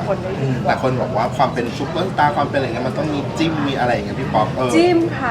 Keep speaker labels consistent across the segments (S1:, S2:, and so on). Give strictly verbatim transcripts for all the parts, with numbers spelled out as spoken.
S1: คนได้ดีกว่า
S2: แต่คนบอกว่าความเป็นซุปเปอร์สตาร์ความเป็นอะไรเงี้ยมันต้องมีจิ้มมีอะไรอย่างเงี้ยพี่ป๊อปเออ
S1: จิ้มค่ะ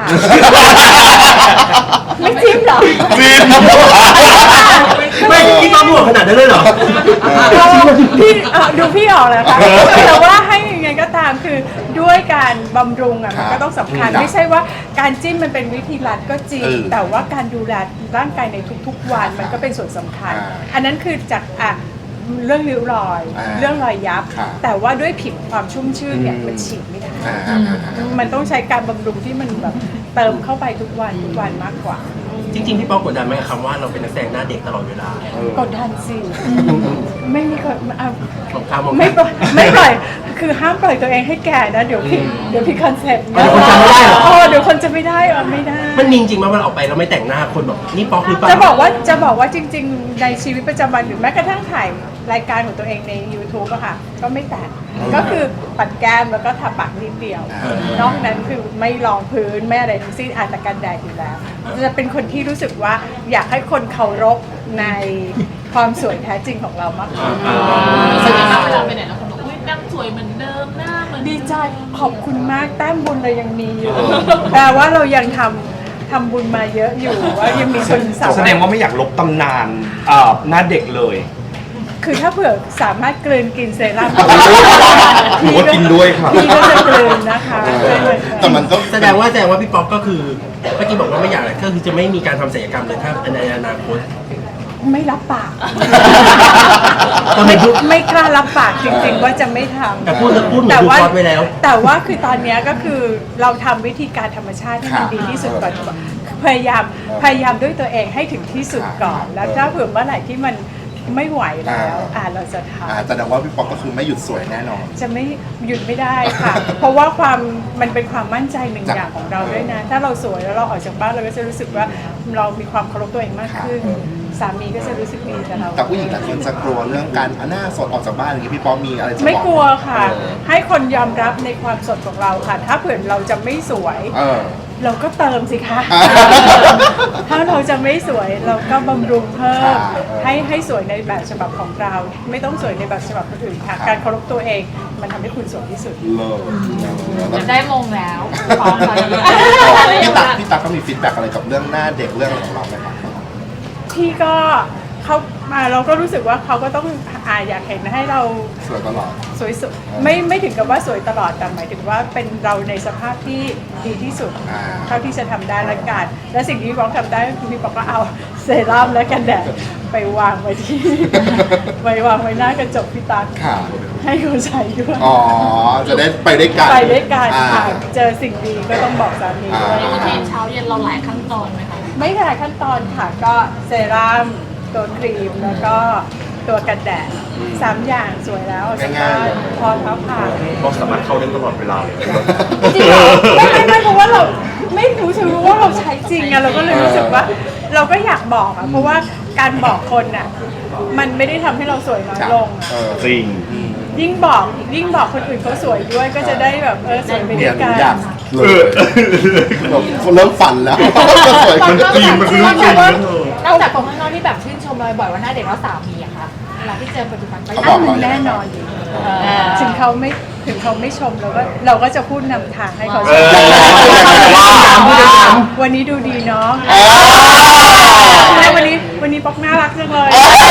S1: ไม่จิ้มหรอ
S2: จิ้ม
S3: ไม่พี่ป๊อปห่วงขนาดนั้นเลยเหรอ
S1: พี่เอ่อดูพี่ออกแล้วค่ะแต่ว่าให้ยังไงก็ตามคือด้วยการบำรุงอ่ะมันก็ต้องสำคัญไม่ใช่ว่าการจิ้มมันเป็นวิธีรัดก็จริงแต่ว่าการดูแลร่างกายในทุกๆวันมันก็เป็นส่วนสำคัญอันนั้นคือจากอ่ะเรื่องริ้วรอยเรื่องรอยยับแต่ว่าด้วยผิวความชุ่มชื่นเนี่ยมันฉีดไม่ได้มันต้องใช้การบำรุงที่มันแบบเติมเข้าไปทุกวันทุกวันมากกว่า
S3: จริงๆพี่ป๊อปกดดันไหมกับคำว่าเราเป็นนักแสดงหน้าเด็กตลอดเวลาก
S1: ดดันสิไม่มีคนเอา
S3: ผมข้ามผม
S1: ไม่ปล่อยไม่ปล่อยคือห้ามปล่อยตัวเองให้แก่นะเดี๋ยวพี่เดี๋ยวพี่คอนเซ็ปต์
S3: เดี๋ยวคนจำไม่ได้เหรอ
S1: โอ้เดี๋ยวคนจะไม่ได้เออไม่ได้
S3: มันมีจริงๆไหมว่าเราออกไปเราไม่แต่งหน้าคนบอกนี่ป๊อปหรือเปล่า
S1: จะบอกว่าจะบอกว่าจริง ๆ ในชีวิตประจำวันหรือแม้กระทั่งถ่ายรายการของตัวเองใน YouTube อะค่ะก็ไม่แต่งก็คือปัดแก้มแล้วก็ทาปากนิดเดียวนอกนั้นคือไม่รองพื้นไม่อะไรทั้งสิ้นอาจจะกันแดดอยู่แล้วจะเป็นคนที่รู้สึกว่าอยากให้คนเคารพในความสวยแท้จริงของเรามากกว่า
S4: รู้สึกยังไงเวลาไปไหนแล้วคนบอกอุ้ยนั่งสวยเหมือนเดิมหน้าเหมือน
S1: ดีใจขอบคุณมากแต้มบุญเรายังมีอยู่แปลว่าเรายังทำทำบุญมาเยอะอยู่ว่ายังมีคนสาว
S5: แสดงว่าไม่อยากลบตำนานอ่าหน้าเด็กเลย
S1: คือถ้าเผื่อสามารถกลืนกินเซรั่ม
S5: หนูว่ากินด้วยค่ะ
S1: พี่ก็จะกลืนนะคะ
S2: แต่มันก็
S3: แสดงว่าแสดงว่าพี่ป๊อปก็คือเมื่อกี้บอกว่าไม่อยากอะไรก็คือจะไม่มีการทำศัลยกรรมเลยถ้าในอนาคต
S1: ไม่รับปาก
S3: ทำไมพูด
S1: ไม่กล้ารับปากจริงๆว่าจะไม่ทำ
S3: แต่พูดแล้วพูดเหมือนดูคอร์สไว้แล้ว
S1: แต่ว่าคือตอนนี้ก็คือเราทำวิธีการธรรมชาติให้มันดีที่สุดก่อนพยายามพยายามด้วยตัวเองให้ถึงที่สุดก่อน แล้วถ้าเผื่อเมื่อไหร่ที่มันไม่ไหวแล้วอ่าเราจะทำ
S2: อ่าแสดงว่าพี่ป๊อปก็คือไม่หยุดสวยแน่นอน
S1: จะไม่หยุดไม่ได้ค่ะ เพราะว่าความมันเป็นความมั่นใจหนึ่งอย่างของเราด้วยนะ ถ้าเราสวยแล้วเราออกจากบ้านเราก็จะรู้สึกว่าเรามีความเคารพตัวเองมากขึ้น สามีก็จะรู้สึกดีกับเรา
S2: แต่ผู้หญิงหลายคนจะกลัวเรื่องการเอาหน้าสดออกจากบ้านอย่างนี้พี่ป๊อปมีอะไรจะบอก
S1: ไม่กลัวค่ะ ให้คนยอมรับในความสดของเราค่ะ ถ้าเผื่อเราจะไม่สวย
S2: เออ
S1: เราก็เติมสิคะ
S2: อ่า
S1: ถ้าเราจะไม่สวยเราก็บำรุงเพิ่ม
S2: ค่ะ
S1: ให้ให้สวยในแบบฉบับของเรา ไม่ต้องสวยในแบบฉบับคนอื่นค่ะ การเคารพตัวเองมันทำให้คุณสวยที่สุด
S2: เลิศ
S4: จะได้มงแล้วพร้อมแล้ว
S2: พี่ตั๊กพี่ตั๊กก็มีฟีดแบ็กอะไรกับเรื่องหน้าเด็กเรื่องอะไรของเราไหมครับ
S1: พี่ก็เขามาเราก็รู้สึกว่าเขาก็ต้องอาอยากเห็นให้เรา
S2: สวยตลอด
S1: สวยสุดไม่ไม่ถึงกับว่าสวยตลอดแต่หมายถึงว่าเป็นเราในสภาพที่ดีที่สุด
S2: อ่า
S1: เท่าที่จะทำได้ละกันและสิ่งที่พี่บอกทำได้ก็คือพี่บอกก็เอาเซรั่มและกันแดดไปวางไว้ที่ ไว้วางไว้หน้ากระจกพี่ตั๊ก
S2: ค่ะ
S1: ให้เขาใช้ด้วย
S2: อ๋อ จะได้ไปด้วยกัน
S1: ไปด้วยกัน
S2: อ่า
S1: ค่ะเจอสิ่งดีก็ต้องบอกสามีด้วย
S4: รูทีนเช้าเย็นเราหลายขั้นตอนไหมคะ
S1: ไม่หลายขั้นตอนค่ะก็เซรั่มตัวครีมแล้วก็ตัวกันแดดสามอย่างสวยแล้วออกจากบ้านพอเท้าผ่าน
S5: เราสามารถเข้าได้ตลอดเวลาเลย
S1: จริงเหรอไม่ไม่ไม่เพราะว่าเราไม่รู้สึกว่าเราใช้จริงอะเราก็เลยรู้สึกว่า เราก็อยากบอกอะเพราะว่าการบอกคนอะมันไม่ได้ทำให้เราสวยน้อยลงอะ
S2: เออ
S5: จริง
S1: ยิ่งบอกยิ่งบอกคนอื่นเขาสวยด้วยก็จะได้แบบเออสวยไปด้
S2: เนี่
S1: วย ย
S2: หนู
S1: กัน
S2: อยากเลยเริ่มฝันแล้วจะสวยขึ้น
S5: จริงมันคือเรื่องจริงนะเธอ
S4: นอกจากคนข้างนอกที่แบบชื่นชมเราบ่อยว่าหน้าเด็กแล้วสามีอะคะเวลาที่เจอปัจจุบันก็
S2: เขาบ
S1: อั
S2: อก
S1: น
S2: เรา
S1: แน่นอนอยู่ถึงเขาไม่ถึงเขาไม่ชมเราก็เราก็จะพูดนำทางให้เขาชม
S5: เออ
S1: วันนี้ดูดีเนาะ
S2: อ๋อ
S1: ใช่วันนี้วันนี้ป๊อกน่ารักจังเลย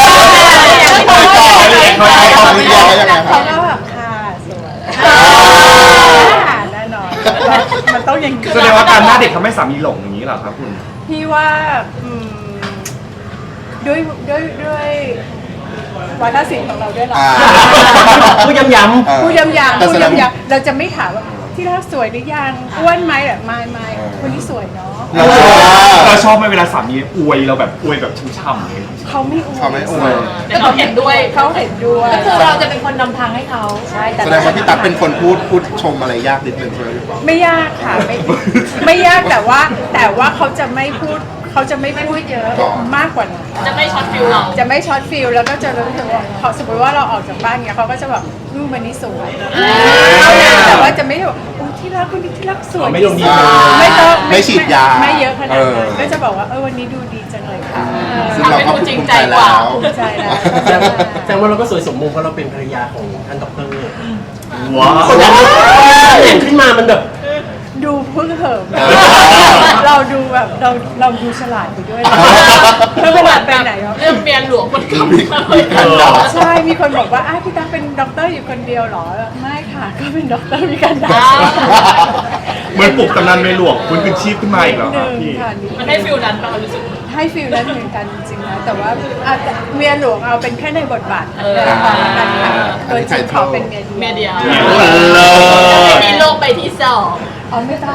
S2: เขาเขาเรียกว่ายังไงค
S1: เขา
S2: รับ
S1: ก็แบบค่ะสวยค่ะแน่นอนมันต้องอย่างนี้
S5: แสดงว่าการหน้าเด็กทำให้สามีหลงอย่างนี้เหรอครับคุณ
S1: พี่ว่าอืมด้วยด้วยด้วยวัฒนศิลป์ของเราด้วยหรอ
S2: อ่า
S3: พูดย้ำ
S2: เออ
S1: พูดย้ำๆ
S2: แต่
S1: พู
S2: แส
S1: ด
S2: ดง
S1: ย้ำๆเราจะไม่ถามว่าที่รักสวยหรือยังอ้วนไหมแบบไม่ไม่วันนี้สวยเนาะ
S5: เราชอบเราชอบไหมเวลาสามีอวยเราแบบอวยแบบช่ำๆเลย
S1: เขาไม่อวย
S2: เขาไม่อวย
S4: แต่เขาเห็นด้วย
S1: เขาเห็นด้วย
S4: ก็คือเราจะเป็นคนนำทางให้เขาใช่แต่
S2: แสดงว่าพี่ตั๊กเป็นคนพูดพูดชมอะไรยากนิดนึงใช่ไหมพี่ป๊อป
S1: ไม่ยากค่ะไม่ไม่ยากแต่ว่าแต่ว่าเขาจะไม่พูดเขาจะไม่พูดเยอะมากกว่านั้น
S4: จะไม่ช็อตฟิลเรา
S1: จะไม่ช็อตฟิลแล้วก็จะรู้สึกว่าพอสมมติว่าเราออกจากบ้านเงี้ยเขาก็จะแบบอืมวันนี้สวยเท่านั้นแต่ว่าจะไม่ได้แบบอุ๊ยที่รักวันนี้ที่รักสวย
S3: ไม่ลงดี
S1: ไม่ต้อง
S2: ไม่ฉีดยา
S1: ไม่เยอะขนาดนั้น
S2: เออ
S1: ก็จะบอกว่าเออวันนี้ดูดีจังเลยค่ะ
S2: ซึ่งเราก็ภูมิใจแล้ว
S1: ภูมิใจแล้ว
S3: แสดงแสดงว่าเราก็สวยสมมงเพราะเราเป็นภรรยาของท่านด็อกเตอร์
S5: ว้าว
S3: คนนั้นเห็นขึ้นมามันแบบ
S1: ดูเพิ่งเหิมเราดูแบบเราเราดูฉลาดไปด้วยเมื่อเวลาไปไหน
S6: เรื่องเมียหลวงมันกลับ
S2: มี
S6: มา
S2: มีการด่า
S1: ใช่ มีคนบอกว่าอ้าวพี่ตั๊กเป็นด็อกเตอร์อยู่คนเดียวเหรอ ไม่ค่ะ ก็เป็นด็อกเตอร์มีกันดา
S5: เหมือนปลุกตำนานเมหลวงคุณคืนชีพขึ้นมาอีกแล้ว
S1: ห
S5: ครับ
S1: นึ่ง
S5: พี่
S1: ค่ะนิด
S6: มันให้ฟิลนั้นเรารู้สึก
S1: ให้ฟิลนั้นเหมือนกันจริงๆนะแต่ว่าอาจจะเมียหลวงเอาเป็นแค่ในบทบาท
S6: เออ
S1: ละกันค่ะโดยจริงขอเป็นเมีย
S6: เมีย
S1: เดี
S6: เดี
S1: ย
S6: ยว ว
S5: เลิศ
S6: มีโลกใบที่สอง
S1: อ๋อไม่ต้อง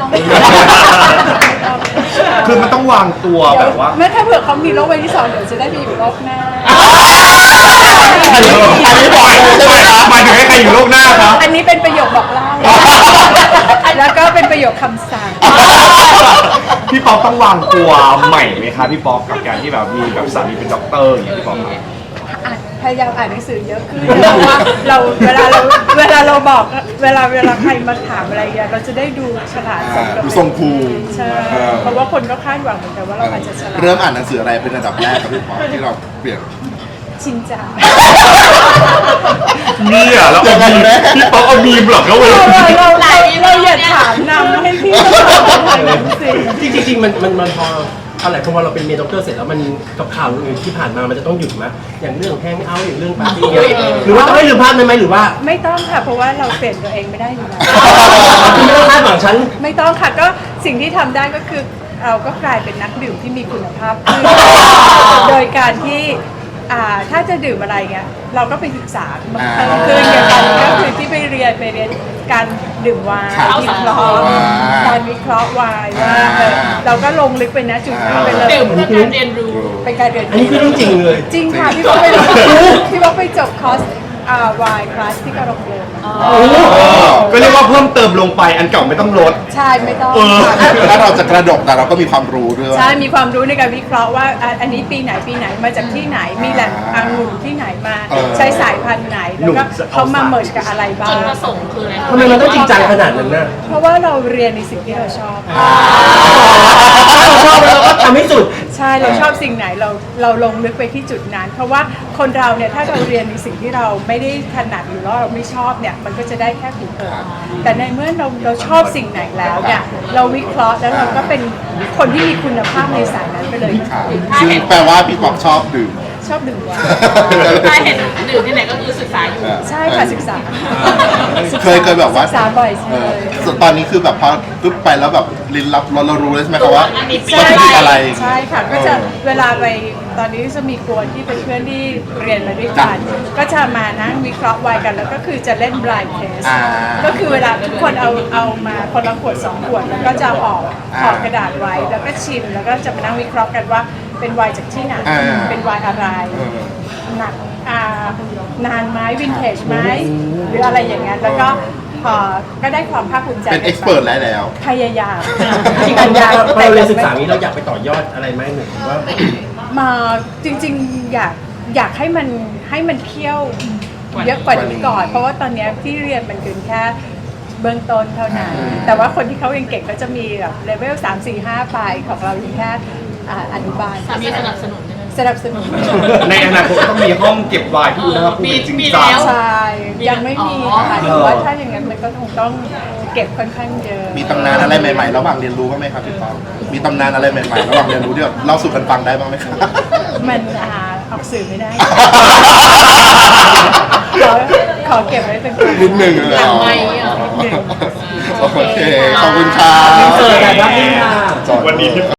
S5: คือมันต้องวางตัวแบบว่า
S1: ไม่ถ้าเผื่อเขามีโรคใบที่สองเดี๋ยวจะได้ไปอยู่โลกหน้า
S5: อันนี้อันนี้บอกเลยใช่ไหมครับหมายถึงให้ใครอยู่โลกหน้าครับ
S1: อันนี้เป็นประโยคบอกเล่า แล้วก็เป็นประโยคคำสั่ง
S5: พี่ป๊อกต้องวางตัวใหม่ไหมคะพี่ป๊อกกับการที่แบบมีแบบสามีเป็นด็อกเตอร์อย่างเงี้ยพี่ป๊อกครับ
S1: อ่านพยายามอ่านหนังสือเยอะขึ้นเพราะว่าเราเวลาเราเวลาเราบอกเวลาเวลาใครมาถามอะไรเงี้ยเราจะได้ดูฉลาดสมกับ
S2: ดูทรงภูมิ
S1: ใช่เพราะว่าคนก็คาดหวังเหมือนกันว่าเราอาจจะฉลาด
S2: เริ่มอ่านหนังสืออะไรเป็นอันดับแรกครับพี่ปอที่เราเปลี่ยน
S1: ชินจา
S5: เนี่ยแล้วเอามีมพี่ป๊อกเอามีมเหรอเขาเลย
S1: เราเราเราเราอย่าถามนำให้พี่เขาตอบทางนั้นสิ
S3: จริงๆจริงๆมันมันมันพออะไรพอเราเป็นเมียด็อกเตอร์เสร็จแล้วมันกับข่าวอื่นที่ผ่านมามันจะต้องหยุดไหมอย่างเรื่องแฮงเอาท์อย่างเรื่องปาร์ตี้หรือว่าต้องให้ลืมภาพนั้นไหมหรือว่า
S1: ไม่ต้องค่ะเพราะว่าเราเปลี่ยนตัวเองไม่ได้อยู่แล้ว
S3: คุณไม่ต้องคาดหวังฉัน
S1: ไม่ต้องค่ะก็สิ่งที่ทำได้ก็คือเราก็กลายเป็นนักดื่มที่มีคุณภาพขึ้นโดยการที่อ่าถ้าจะดื่มอะไรเงี้ยเราก็ไปศึกษาเพิ่มขึ้นอย่างตอนนี้ก็คือที่ไปเรียนไปเรียนการดื่มไวน์วิเคราะห์การวิเคราะห์ไวน์ว่าเออเราก็ลงลึกไปนะจุดนั้นไปเลย
S6: ดื่มเพื่อการเรียนรู้
S1: เป็นการเรียน
S3: อันนี้คือเรื่องจริงเลย
S1: จริงค่ะพี่บอกไปพี่บอกไปจบคอร์สอ่าวายคลาสที่กระโรงเรียน
S5: ก็เรียกว่าเพิ่มเติมลงไปอันเก่าไม่ต้องลด
S1: ใช่ไม่ต้อง
S5: เออ
S1: ค่ะ
S2: ถ้าเราจะกระดกแต่เราก็มีความรู้ด้วย
S1: ใช่ มีความรู้ในการวิเคราะห์ว่าอ่ะอันนี้ปีไหนปีไหนมาจากที่ไหน มีแหล่งองุ่นที่ไหนมา
S2: เออ
S1: ใช้สายพันธุ์ไหน แล้วก็เขามาเมิร์จกับอะไรบ้า
S6: จุ
S1: ง
S6: ดประสงค์คืออะไร
S3: ทำไมมันต้องจริงจังขนาดนั้นน่ะ
S1: เพราะว่าเราเรียนในสิ่งที่เราชอบ
S3: ถ้าเราชอบแล้วเราก็ทำให้สุด
S1: ใช่ เราชอบสิ่งไหนเราเราลงลึกไปที่จุดนั้น เพราะว่าคนเราเนี่ยถ้าเราเรียนในสิ่งที่เราไม่ได้ถนัดหรือว่าเราไม่ชอบเนี่ยมันก็จะได้แค่ผิวเผินแต่ในเมื่อเราเราชอบสิ่งไหนแล้วเนี่ยเราวิเคราะห์แล้วเราก็เป็นคนที่มีคุณภาพในสายนั้นไปเลย
S2: ค่ะซึ่งแปลว่าพี่ปอกชอบดื่ม
S1: ชอบดื่มไวน์
S6: ถ้าเห็นดื่มที่ไหนก็คือศึกษาอยู่
S1: ใช่ค่ะศึกษา
S2: เคยเคยแบบว่า
S1: ศึกษาบ่อยใช่
S2: เออส่วนตอนนี้คือแบบพอปุ๊บไปแล้วแบบลิ้นรับเราเรารู้เลยใช่ไหมครับว่า
S6: อันนี้ปี
S2: วัตถุดิบอะไร
S1: ใช่ค่ะก็จะเวลาไปตอนนี้จะมีกวนที่เป็นเพื่อนที่เรียนมาด้วยกัน ก็จะมานั่งวิเคราะห์ไวน์กันแล้วก็คือจะเล่น blind test
S2: อ่า
S1: ก็คือเวลาทุกคนเอาเอามาคนละขวดสองขวดแล้วก็จะห่อห่อกระดาษไว้แล้วก็ชิมแล้วก็จะมานั่งวิเคราะห์กันว่าเป็นไวน์จากที่ไหน
S2: อ่า
S1: เป็นไวน์อะไร
S2: เออ
S1: หนักอ่านานไหมวินเทจไหมหรืออะไรอย่างเงี้ยแล้วก็พอก็ได้ความภาคภูมิใจ
S2: เป็นเอ็กซ์เพรสแล้วแล้ว
S1: พยายาม
S3: จริงๆพอเราเรียนศึกษานี้เราอยากไปต่อยอดอะไรไหมหรือว่า
S1: มาจริงๆอยากอยากให้มันให้มันเคี่ยวเยอะกว่านี้ก่อน เพราะว่าตอนเนี้ยที่เรียนมันเป็นแค่เบื้องต้นเท่านั้น แต่ว่าคนที่เขาเก่งๆก็จะมีแบบเลเวลสามสี่ห้าไปของเราอยู่แค่อ่าอนุบาล
S6: สามีสนับสนุนใช่ไหม
S1: สนับสนุน
S5: ในอนาคตก็ต้องมีห้องเก็บไวน์ที่อุณหภูมิจริง
S6: มี
S5: จั
S6: แล้
S5: ง
S6: ว
S1: ใช่ยังไม่มี
S6: อ๋อ
S1: ค่ะแต่ว่าถ้าอย่างนั้นมันก็คงต้องเก็บค่อนข้างเยอะ
S2: มีตำนานอะไรใหม่ๆ ระหว่างเรียนรู้บ้างไหมครับพี่ปอกมีตำนานอะไรใหม่ๆ ระหว่างเรียนรู้ที่แบบเล่าสู่กันฟังได้บ้างไหมครับ
S1: มันอ่าออกสื่อไม่ได้ ขอขอเก็บไว้เป็นความ
S2: นิดหนึ่งเลย
S6: หลั
S2: เหรงอ
S6: ไมค์อ่ะ
S1: นิดหนึ่ง
S2: โอเค ขอบคุณครับ
S3: เสิร์ฟแบบรับนี่ค่ะ
S2: จอด
S5: วันนี้ที่